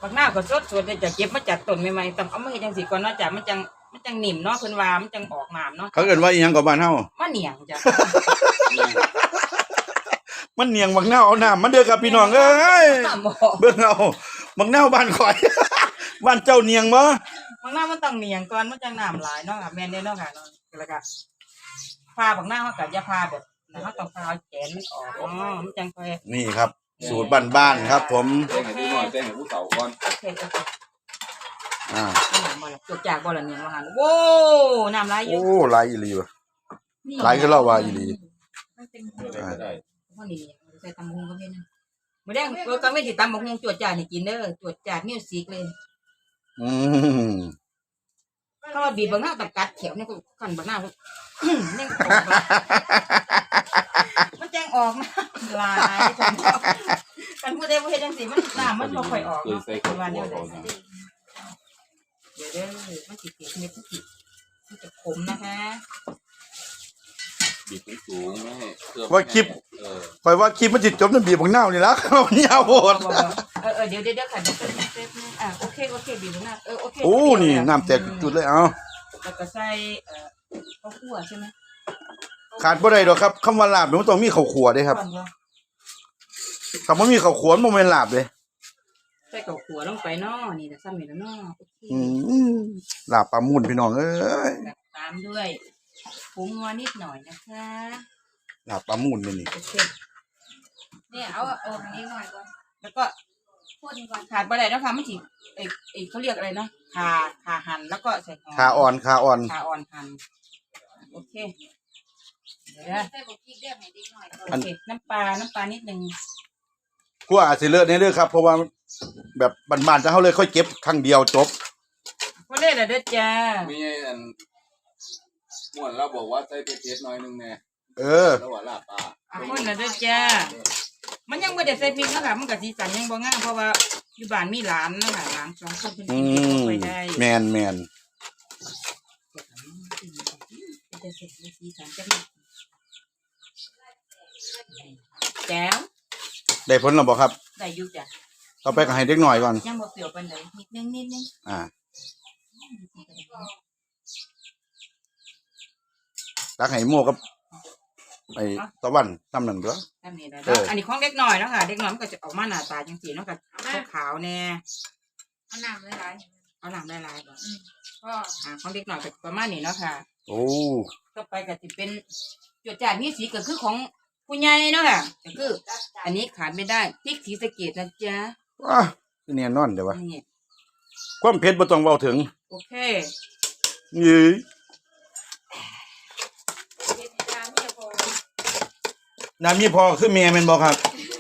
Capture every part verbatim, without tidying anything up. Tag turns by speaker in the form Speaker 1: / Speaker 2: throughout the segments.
Speaker 1: บักหน้าก็สดสดเลยจะเก็บมาจากต้นใหม่ๆต้องเอามาเฮ็ดจังซี่ก่อนเนาะจ้ะมันจังมันจังนิ่มเนาะเพิ่นว่ามันจังออกน้ำเนาะ
Speaker 2: เขาเอิ้นว่าอีหยังกับบ้านเฮา
Speaker 1: มาเหนียงจ้ะ
Speaker 2: มันเหนียงบักนาวเอาน้ำมันเด้อครับพี่น้องเอ้ยเบิ่งเอาบักนาวบ้านข่อย บ้านเจ้าเหนียงบ่
Speaker 1: บักหน้ามันต้องเหนียงก่อนมันจังน้ำหลายเนาะค่ะแม่นเด้อเนาะค่ะเนาะแล้วก็พาบักหน้าเฮาก็อย่าพาแบบเฮาต้องพาเอาแขนมันออกเนาะมันจังค่อย
Speaker 2: นี่ครับสูตรบ้านๆครับผม
Speaker 3: แจ้งให้ผู้น้อยแจ้งให้ผู้เฒ่าก่อน
Speaker 1: โอเคโอเค
Speaker 2: อ่า
Speaker 1: จกจากบ่ล่ะเนี่ยว่าหั่นโว้น้ำลายอยู่
Speaker 2: โอ้หลายอีหลีว่ะหลายคือเราว่าอีหลี
Speaker 3: อ่าได้
Speaker 1: บ่นี่ใส่ตำบักหุ่งก็เป็นมื้อแดงเออก็ไม่สิตำบักหุ่งจวดจ้านี่กินเด้อจวดจ้ามิวสิกเลย
Speaker 2: อืม
Speaker 1: ถ้าว่าบีบบักหน้าตัดกัดแถวเนี่ยก็คั่นบักหน้าเนี่ยมันแจ้งออกนะลายกันพูดได้บ่เฮ็ดจังซี่มันน้ำมันบ่ค่อยออกเนาะว่าแนวใดเดี๋ยวเด้อมันสิเก็บเม็ดสิมันจะขมนะคะ
Speaker 3: บีบสูงไม่ให้เครื่อง
Speaker 2: ว่าคลิปข่อยว่าคลิปมันสิจบนำบีบบักนาวนี่ล่ะมันยาวโพด
Speaker 1: เออๆเดี๋ยวๆๆค่ะเดี๋ยวแป๊บนึงอ่ะโอเคโอเคบีบบักนาวเออโอเค
Speaker 2: โอ้นี่น้ำแตกจุดเลยเอา
Speaker 1: แล้วก็ใส่เอ่อข้าวคั่วใช่มั้ย
Speaker 2: ขาดบ่ได้ดอกครับคำว่าลาบมันต้องมีข้าวคั่วเด้ครับถ้าบ่มีข้าวคั่วมันบ่แม่นลาบเด้
Speaker 1: ใส่ข้าวคั่วลงไปเนาะนี่น่ะซ้ำนี่แล้วเนาะโอเค
Speaker 2: อืมลาบปลามุ่นพี่น้องเอ้ย
Speaker 1: ตามด้วยผงนัวนิดหน่อยนะคะ
Speaker 2: ลาบปลามุ่นนี่นี่
Speaker 1: โอเคเนี่ยเอาเอาอันนี้หน่อยก่อนแล้วก็พ่นก่อนขาดบ่ได้แล้วค่ะมันสิไอ้ไอ้เขาเรียกอะไรนะขาขาหั่นแล้วก็ใส่หอม
Speaker 2: ขาอ่อนขาอ่อน
Speaker 1: ขาอ่อนหั่นโอเคเดี๋ยวใส่บ่พริกเรียกให้นิดหน่อยโอเคน้ำปลาน้ำปลานิดนึง
Speaker 2: กลัวอาจสิเลอะแน่เด้อครับเพราะว่าแบบบ้านๆจะเฮาเลยค่อยเก็บครั้งเดียวจบ
Speaker 1: บ่ได้ล่ะเด้อจ้า
Speaker 3: มีอันม่วนเราบอกว่าใส่เผ็ดๆหน่อยนึงแน่
Speaker 2: เออ
Speaker 3: แล้วว่าลาบปลา
Speaker 1: อ่ะคนน่ะเด้อจ้ามันยังบ่ได้ใส่พริกนะคะมันก็สีสันยังบ่งามเพราะว่าอยู่บ้านมีหลานเนาะค่ะหลานสองคนเพิ่นกินบ่ค่อยได้
Speaker 2: แม่นๆ
Speaker 1: จะเสร็จสีสันจังแจ๋ว
Speaker 2: ได้ผลแล้วบ่ครับ
Speaker 1: ได้อยู่จ้ะ
Speaker 2: ต่อไปก็ให้เด็กน้อยก่อน
Speaker 1: ยังบ่เปรี้ยวปานใดนิดนึงนิดนึง
Speaker 2: อ่าตักให้โม่กับไอ้ตะวันทำนั่นตัว
Speaker 1: ทำนี่ได้อันนี้ของเด็กน้อยเนาะค่ะเด็กน้อยมันก็จะออกมาหน้าตาจังซี่เนาะก็ขาวๆแน่
Speaker 4: เอาน้ำหลายๆ
Speaker 1: เอาน้ำหลายๆบ่อืมก็อ่าของเด็กน้อยก็ประมาณนี้เนาะค่ะ
Speaker 2: โอ้
Speaker 1: ต่อไปก็สิเป็นจวดจ้านมีสีก็คือของผู้ใหญ่เนาะค่ะก็คืออันนี้ขาดไม่ได้พริกศรีสะเกษนะจ๊ะ
Speaker 2: ว้าคือแน่นอนเด้อวะความเผ็ดบ่ต้องเว้าถึง
Speaker 1: โอเค
Speaker 2: นี่น้ำมีพอคือแม่แม่นบ่ครับ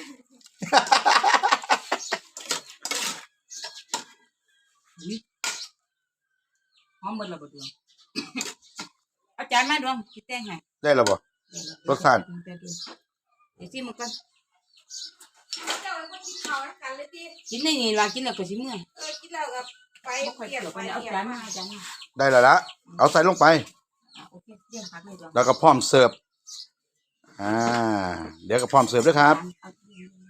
Speaker 1: หอมเบิดแล้วบ่ดวงเอาจารย์มาดวงสิแต่งให้
Speaker 2: ได้แล้วบ่รสชาติ
Speaker 1: เดี๋ยวสิมันก่อน
Speaker 4: เจ้าก็กินข้าวกันเลยติ
Speaker 1: กินได้นี่ล่ะกินแล้วก็สิเมื่อย
Speaker 4: เออกินแล้วก็ไป
Speaker 1: เกี่ยวไปเอาจารย์มาจารย์มา
Speaker 2: ได้แล้วละเอาใส่ลงไป
Speaker 1: โอเคเดี๋ยวพักเลยดวง
Speaker 2: แล้วก็พร้อมเสิร์ฟอ่าเดี๋ยวก็พร้อมเสิร์ฟเด้อครับ